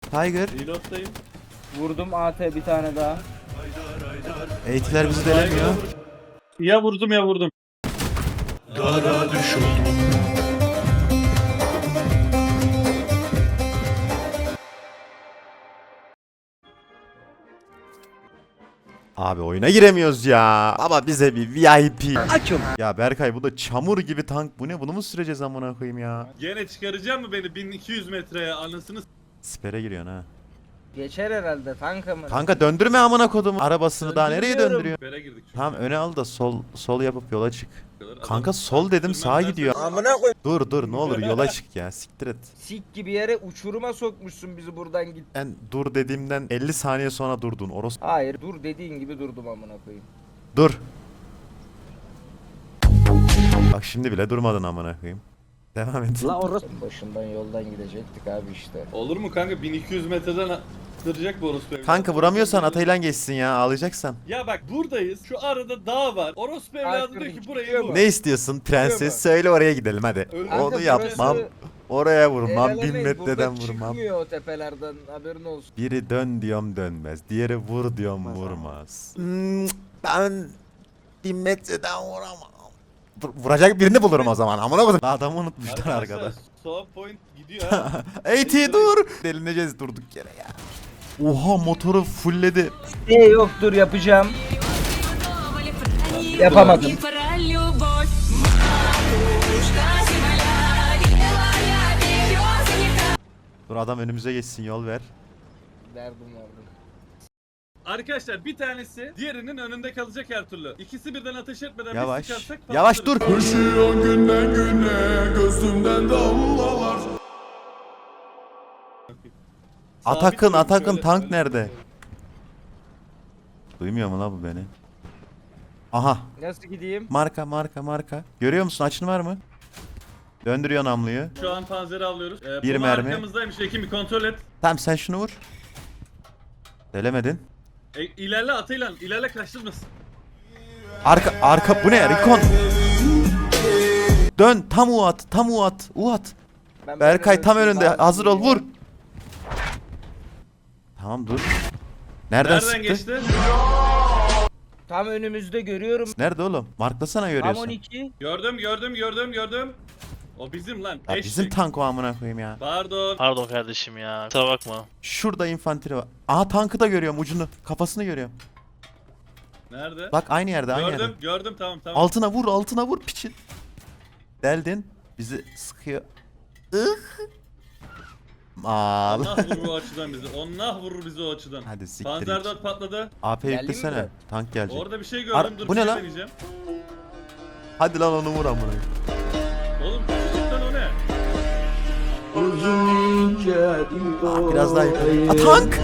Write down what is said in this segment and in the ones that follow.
Tiger. Reload'dayım. Vurdum AT bir tane daha. Eğitiler bizi delemiyor. Ya vurdum ya vurdum. Abi oyuna giremiyoruz ya. Ama bize bir VIP. Açım. Ya Berkay bu da çamur gibi tank. Bu ne? Bunu mu süreceğiz amına koyayım ya? Gene çıkaracak mı beni 1200 metreye anasını Sipere giriyorsun ha. Geçer herhalde tanka mı? Kanka döndürme amına kodum arabasını daha nereye Döndürüyorum. döndürüyor? s***lere girdik çünkü. Tamam öne al da sol yapıp yola çık. Adam- Kanka sol dedim sağa Sürmem gidiyor. dersen- Dur ne olur yola çık ya siktir et. Sik gibi yere uçuruma sokmuşsun bizi buradan git. Ben dur dediğimden 50 saniye sonra durdun Oros. Hayır dur dediğin gibi durdum amına koyayım. Dur. Bak şimdi bile durmadın amına koyayım. Devam et. La orası. Başından yoldan gidecektik abi işte. Olur mu kanka 1200 metreden attıracak bu orospu evladı. Kanka vuramıyorsan atayla geçsin ya ağlayacaksan. Ya bak buradayız. Şu arada dağ var. Orospu evladı diyor ki burayı Gidiyor vur. mu? Ne istiyorsun prenses Biliyor söyle oraya gidelim hadi. Kanka, Onu burası- yapmam. Oraya vurmam. 1000 Elemeyiz, metreden burada vurmam. çıkmıyor o tepelerden haberin olsun. Biri dön diyorum dönmez. Diğeri vur diyorum vurmaz. Ben 1000 metreden vuramam. Vuracak birini bulurum o zaman. Amına koydum. Adamı unutmuşlar Arkadaşlar, arkada. Soğuk point gidiyor ha. AT dur. Delineceğiz durduk yere ya. Oha motoru fullledi. Yok dur yapacağım. Yapamadım. Dur adam önümüze geçsin yol ver. Verdim. Arkadaşlar bir tanesi diğerinin önünde kalacak her türlü. İkisi birden ateş etmeden Yavaş. biz sıkarsak Yavaş dur. Düşüyor günden güne gözümden damlalar. Atakın Sabit durun, şöyle. tank nerede? Duymuyor mu la bu beni? Aha. Nasıl gideyim? Marka. Görüyor musun? Açın var mı? Döndürüyor namluyu. Şu an panzeri alıyoruz. Bir Puma mermi. arkamızdaymış. Ekim bir kontrol et. Tamam sen şunu vur. Delemedin. İlerle atıyla. İlerle kaçtırmasın. Arka bu ne? Recon. Dön tam U at. Ben Berkay tam böyle önünde. ölçüm Hazır ol lazım vur. ya. Tamam dur. Nereden Nereden sıktı? geçti? Tam önümüzde görüyorum. Nerede oğlum? Marklasana Tam görüyorsun. 12. Gördüm. O bizim lan. Ya bizim Eşek. tank o amına koyayım ya. Pardon. Pardon kardeşim ya. Kusura bakma. Şurada infantry var. Aha tankı da görüyorum ucunu. Kafasını görüyorum. Nerede? Bak aynı yerde aynı yerde. Gördüm tamam. Altına vur piçin. Deldin. Bizi sıkıyor. Mal. Allah vurur o açıdan bizi. Allah vurur bizi o açıdan. Hadi siktir Panzer git. 4 patladı. AP Geldi yüklesene. mi? Tank gelecek. Orada bir şey gördüm. Dur bu bir ne şey lan? deneyeceğim. Hadi lan onu vur amına. Oğlum küçücükten o ne? Biraz daha yukarı. Tank!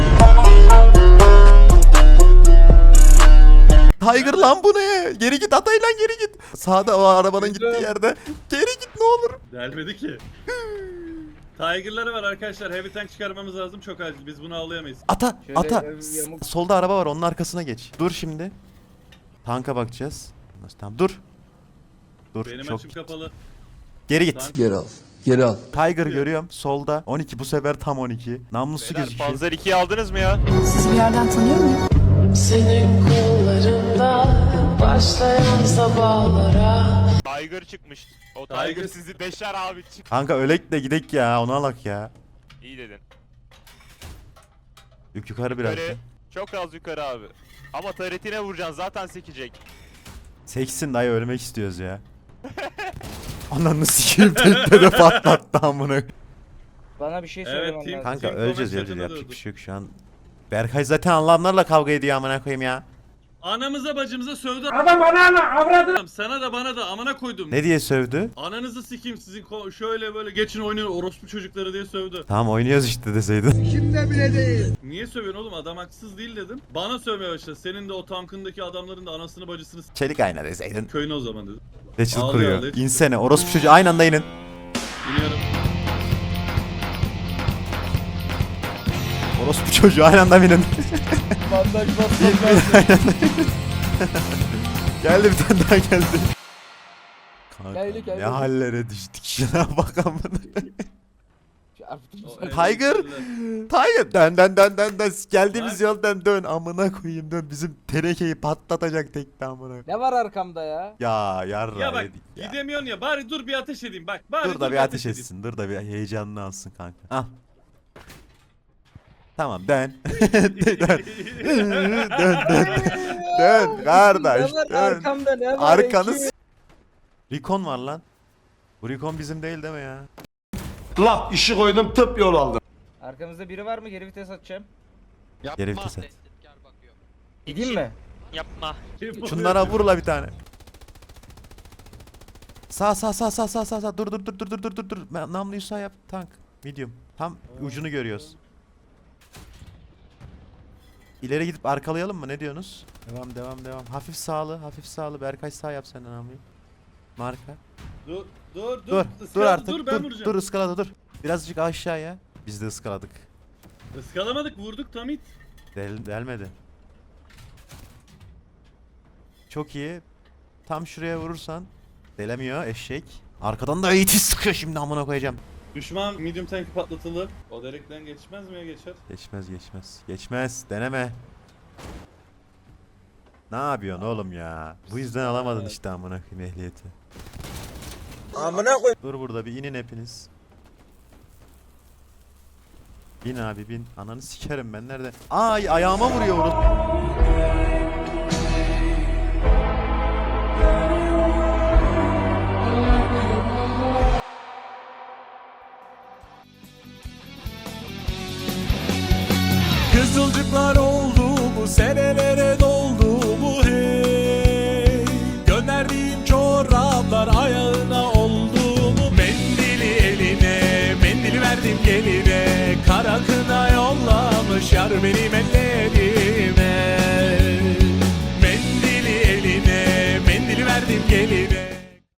Tiger lan bu ne? Geri git Atay lan geri git. Sağda o arabanın gittiği yerde. Geri git ne olur. Delmedi ki. Tiger'ları var arkadaşlar. Heavy tank çıkarmamız lazım. Çok acil. Biz bunu avlayamayız. Ata Şöyle ata. yamuk- Solda araba var onun arkasına geç. Dur şimdi. Tanka bakacağız. Nasıl tamam dur. Dur Benim çok açım kapalı. geri git. Tank- Geri al. Tiger görüyorum solda. 12 bu sefer tam 12. Namlusu Beyler, gözüküyor. Panzer 2'yi aldınız mı ya? Sizi bir yerden tanıyor muyum? Senin kollarında başlayan sabahlara. Tiger çıkmış. O Tiger Tiger sizi deşer abi çık. Kanka ölek de gidek ya onu alak ya. İyi dedin. Yukarı biraz. Böyle çok az yukarı abi. Ama taretine vuracaksın zaten sekecek. Seksin dayı ölmek istiyoruz ya. Ananı sikeyim tekte de patlattı amına. Bana bir şey Evet, söylemen team- lazım. Kanka Team öleceğiz Command öleceğiz yakında yapacak durdu. bir şey yok şu an. Berkay zaten anlamlarla kavga ediyor amına koyayım ya. Anamıza bacımıza sövdü. Adam bana avradı. Sana da bana da amına koydum. Ne diye sövdü? Ananızı sikeyim sizin şöyle böyle geçin oynayın orospu çocukları diye sövdü. Tamam oynuyoruz işte deseydin. Niye sövüyorsun oğlum adam haksız değil dedim. Bana sövmeye başladı. Senin de o tankındaki adamların da anasını bacısını Çelik ayna deseydin. köyüne o zaman dedim. Reçil Ağlıyor, kuruyor. ağlıyor. İnsene orospu çocuğu aynı anda inin. İniyorum. Orospu çocuğu aynı anda inin. Bandaj İn, basmam in, lazım. aynı anda. Geldi bir tane daha geldi. Kanka Geldi. ne hallere düştük şuna bak amına. Çarptım O sana. Tiger. evliliklerle- Tiger. Dön. Geldiğimiz Lan. yoldan dön. Amına koyayım dön. Bizim tenekeyi patlatacak tekne amına. Ne var arkamda ya? Ya yarra Ya bak yedik ya. gidemiyorsun ya bari dur bir ateş edeyim bak. Bari Dur da bir ateş edeyim. etsin. Dur da bir heyecanını alsın kanka. Al. Tamam dön. Dön. Dön kardeş. Ne var Dön. arkamda ne var? Arkanız. Eki? Recon var lan. Bu Recon bizim değil mi ya? Laf işi koydum tıp yol aldım. Arkamızda biri var mı? Geri vites atacağım. Geri vites at. Gideyim mi? Yapma. Şunlara vurla bir tane. Sağ. Dur. Namluyu sağ yap. Tank. Medium. Tam ucunu görüyoruz. İleri gidip arkalayalım mı? Ne diyorsunuz? Devam. Hafif sağlı. Berkay sağ yap sen namluyu. Marka. Dur. Dur artık. Dur ben vuracağım. Dur ıskalada dur. Birazcık aşağıya. Biz de ıskaladık. Iskalamadık vurduk Tamit. Delmedi. Çok iyi. Tam şuraya vurursan. Delemiyor eşek. Arkadan da eğitim sıkıyor şimdi amına koyacağım. Düşman medium tanki patlatılır. O delikten geçmez mi ya geçer? Geçmez. Deneme. Ne yapıyorsun oğlum ya? Bu yüzden alamadın işte amına koyayım ehliyeti. Amına koy. Dur burada bir inin hepiniz. Bin abi bin. Ananı sikerim ben nerede? Ay ayağıma vuruyor onu. Kızılcıklar oldu bu senelere doldu bu hey. Gönderdiğim çoraplar ayağına oldu mu? Mendili eline, mendili verdim geline. Kara kına yollamış yar benim ellerime. Mendili eline, mendili verdim geline.